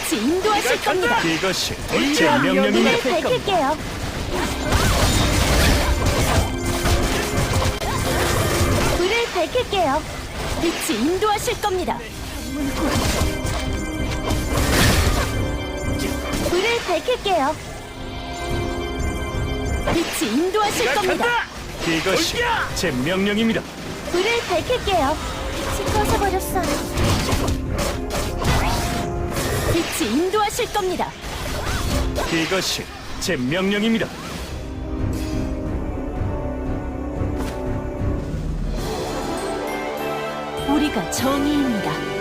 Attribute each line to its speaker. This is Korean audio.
Speaker 1: 빛이 인도하실 겁니다.
Speaker 2: 이것이 제 명령입니다.
Speaker 1: 불을 밝힐게요. 불을 밝힐게요. 빛이 인도하실 겁니다. 불을 밝힐게요. 빛이 인도하실 겁니다.
Speaker 2: 이것이 제 명령입니다.
Speaker 1: 불을 밝힐게요. 빛이 꺼져버렸어요. 빛이 인도하실 겁니다.
Speaker 2: 이것이 제 명령입니다.
Speaker 1: 우리가 정의입니다.